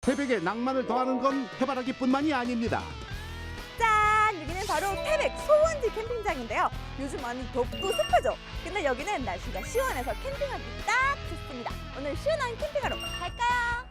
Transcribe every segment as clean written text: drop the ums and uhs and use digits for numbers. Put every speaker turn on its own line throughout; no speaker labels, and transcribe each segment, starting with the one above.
태백의 낭만을 더하는 건 해바라기뿐만이 아닙니다.
짠! 여기는 바로 태백 소원지 캠핑장인데요. 요즘 많이 덥고 습하죠? 근데 여기는 날씨가 시원해서 캠핑하기 딱 좋습니다. 오늘 시원한 캠핑하러 갈까요?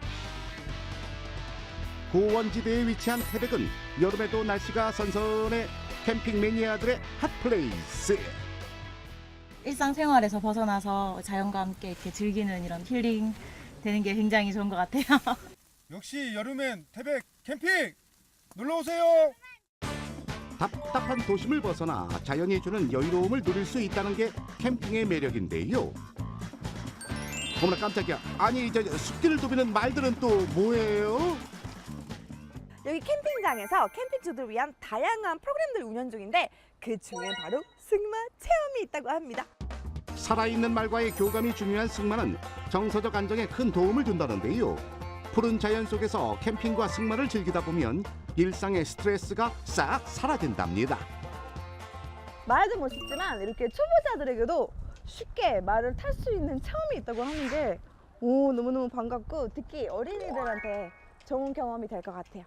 고원지대에 위치한 태백은 여름에도 날씨가 선선해 캠핑 매니아들의 핫플레이스.
일상생활에서 벗어나서 자연과 함께 이렇게 즐기는 이런 힐링 되는 게 굉장히 좋은 것 같아요.
역시 여름엔 태백 캠핑 놀러 오세요.
답답한 도심을 벗어나 자연이 주는 여유로움을 누릴 수 있다는 게 캠핑의 매력인데요. 어머나 깜짝이야. 아니 저 숲길을 도비는 말들은 또 뭐예요?
여기 캠핑장에서 캠핑주들을 위한 다양한 프로그램들 운영 중인데 그 중에 바로 승마 체험이 있다고 합니다.
살아있는 말과의 교감이 중요한 승마는 정서적 안정에 큰 도움을 준다는데요. 푸른 자연 속에서 캠핑과 승마를 즐기다 보면 일상의 스트레스가 싹 사라진답니다.
말도 멋있지만 이렇게 초보자들에게도 쉽게 말을 탈 수 있는 체험이 있다고 하는 게 너무너무 반갑고 특히 어린이들한테 좋은 경험이 될 것 같아요.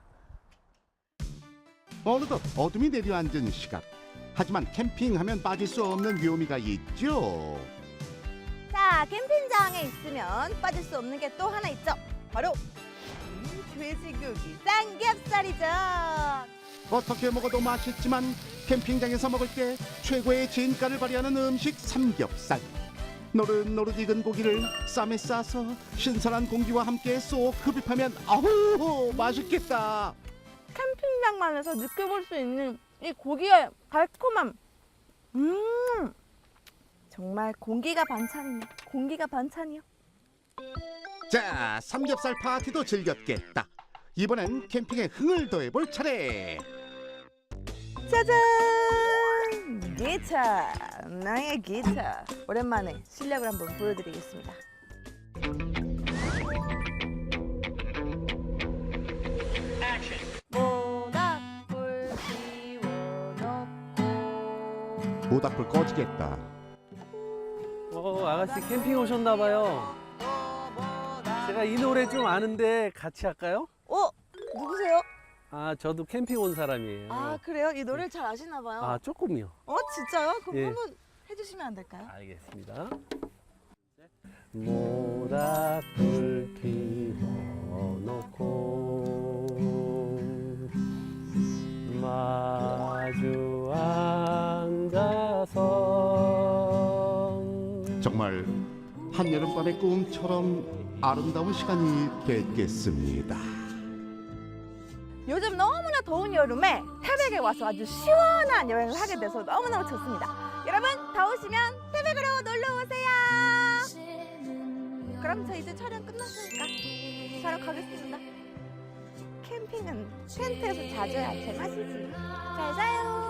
어느덧 어둠이 내려앉은 시각. 하지만 캠핑하면 빠질 수 없는 묘미가 있죠.
자, 캠핑장에 있으면 빠질 수 없는 게 또 하나 있죠. 바로 돼지고기 삼겹살이죠.
어떻게 먹어도 맛있지만 캠핑장에서 먹을 때 최고의 진가를 발휘하는 음식 삼겹살. 노릇노릇 익은 고기를 쌈에 싸서 신선한 공기와 함께 쏙 흡입하면 아우 맛있겠다.
캠핑장만에서 느껴볼 수 있는 이 고기의 달콤함. 정말 공기가 반찬이네. 공기가 반찬이요.
자, 삼겹살 파티도 즐겼겠다. 이번엔 캠핑에 흥을 더해볼 차례.
짜잔! 기타! 나의 기타! 오랜만에 실력을 한번 보여드리겠습니다. 모닥불 피워놓고
모닥불 꺼지겠다.
아가씨 캠핑 오셨나봐요. 제가 이 노래 좀 아는데 같이 할까요?
누구세요?
아, 저도 캠핑 온 사람이에요.
아, 그래요? 이 노래를 잘 아시나 봐요.
아, 조금요.
진짜요? 그럼
예.
한번 해주시면 안 될까요?
알겠습니다. 모닥불 피워놓고 마주 앉아서
정말 한여름밤의 꿈처럼 아름다운 시간이 됐겠습니다.
요즘 너무나 더운 여름에 태백에 와서 아주 시원한 여행을 하게 돼서 너무너무 좋습니다. 여러분 더우시면 태백으로 놀러 오세요. 그럼 저 이제 촬영 끝났으니까 자러 가겠습니다. 캠핑은 텐트에서 자줘야 제맛이지. 잘 자요.